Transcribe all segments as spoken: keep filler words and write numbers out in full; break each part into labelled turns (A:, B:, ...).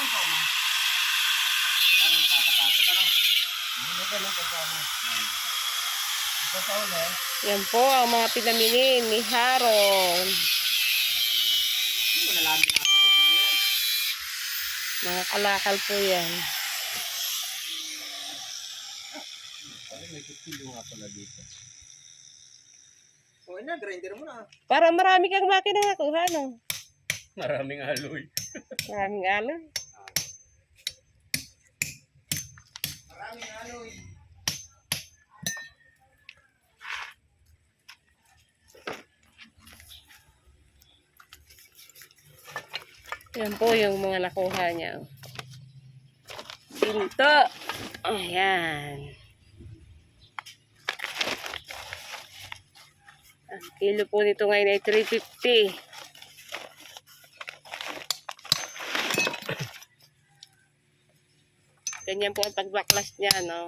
A: Ano nakakatakot ano? Ano ba lang pagkano? Ito sa uli.
B: Yan po ang mga pinamili ni Haron.
A: Hindi mo nalaman na ako ito yan.
B: Mga kalakal po yan.
A: Ano may kutsilyo nga pala dito. O na, grinder mo na.
B: Para marami kang makina nakuha, no?
A: Maraming aloy.
B: Maraming alon.
A: Maraming aloy.
B: Yan po yung mga nakuha niya. Pinto. Ayan. Ang kilo po nito ngayon ay three fifty. Ganyan po ang pagbaklas niya, no?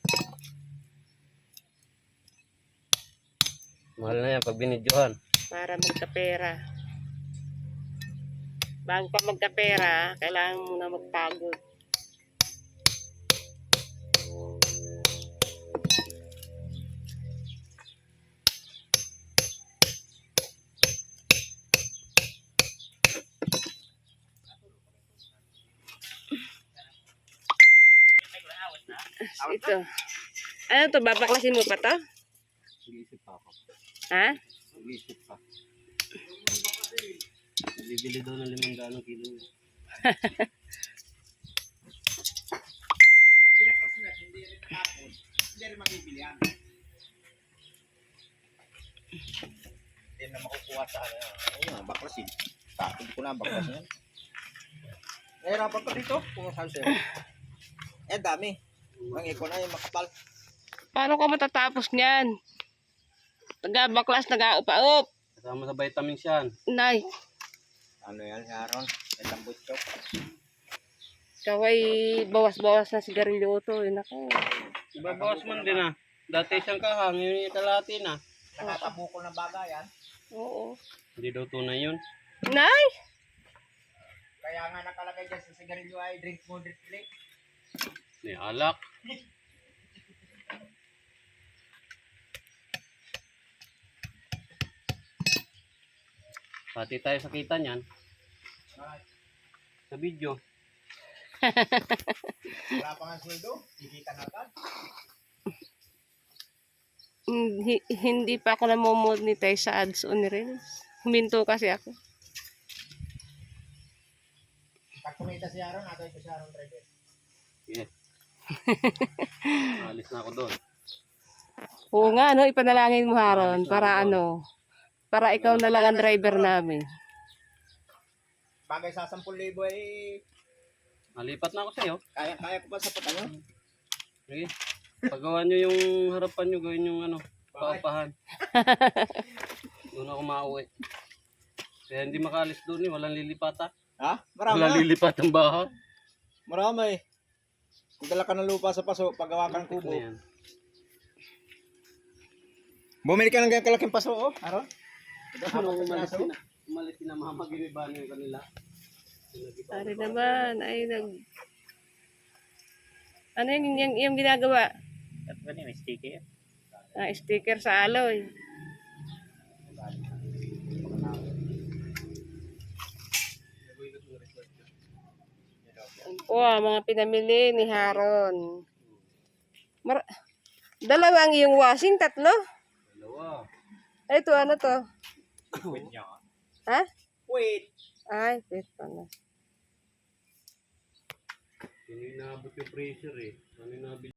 A: Mahal na yan pag binidyohan.
B: Para magkapera. Bago pa magkapera, kailangan mo na magpagod. Ito. Ano to? Babaklasin mo pa to?
A: Nag-iisip pa ako.
B: Ha?
A: Nag-iisip pa. Bibili daw ng limang daang kilo. Kasi pag binaklas na, hindi rin nakapos. Hindi rin makibili yan. Hindi na makukuha sa ano. Ano nga, baklasin. Tapos ko na baklasin yan. Nahirapan pa dito. Kung saan sa'yo. Eh, dami. Ang iko na yung makapal.
B: Paano ka matatapos niyan? Nag-baklas, nag-aupa-up.
A: Kasama sa vitamins yan.
B: Nay,
A: Ano yan, Sharon? Itang butchok.
B: ikaw ay bawas-bawas na sigarilyo to. Eh, naku.
A: Ibabawas man din ah. Dati isang kahang, yun yung kalati na. Nakatabukol na baga yan.
B: Oo.
A: Hindi daw tunay yun.
B: Nay!
A: Kaya nga nakalagay dyan sa sigarilyo ay drink moderately. Ni alak. Pati tayo sakita niyan. Sa video. Wala pa nga sweldo, kikita na agad.
B: Hindi, hindi pa ako namomonetize sa ads on reels. Huminto kasi ako.
A: Pag kumita si Aaron, agad ito si Aaron driver. Yeah. Alis na ako doon.
B: Oo nga, no? Ipanalangin mo, Haron. Para ano? Para ikaw na lang ang driver namin.
A: Bagay sa sampung libo ay... Malipat na ako sa'yo. Kaya, kaya ko pa sa patano. Sige. Pagawa nyo yung harapan nyo, gawin yung ano, paupahan. Doon ako mauwi. Kaya hindi makaalis doon eh, walang lilipata. Ha? Marami. Walang lilipat ang baha. Marami. Kung dala ka ng lupa sa paso, paggawa ka ng kubo. Bumili ka ng ganyan kalaking paso, oh. Aron? Ano, umalis na. Umalis na mama, ginibahan yung kanila.
B: Ari naman, ay nag... Ano yung, yung, yung ginagawa?
A: Ano yung sticker?
B: Ah, sticker sa aloy. O, mga pinamili ni Haron. Mar Dalawang yung washing, tatlo?
A: Dalawa.
B: Ay, ito, ano to?
A: Wait niya.
B: Ha?
A: Wait.
B: Ay, wait pala.
A: Hindi naabot yung pressure eh. Ano yung nabili?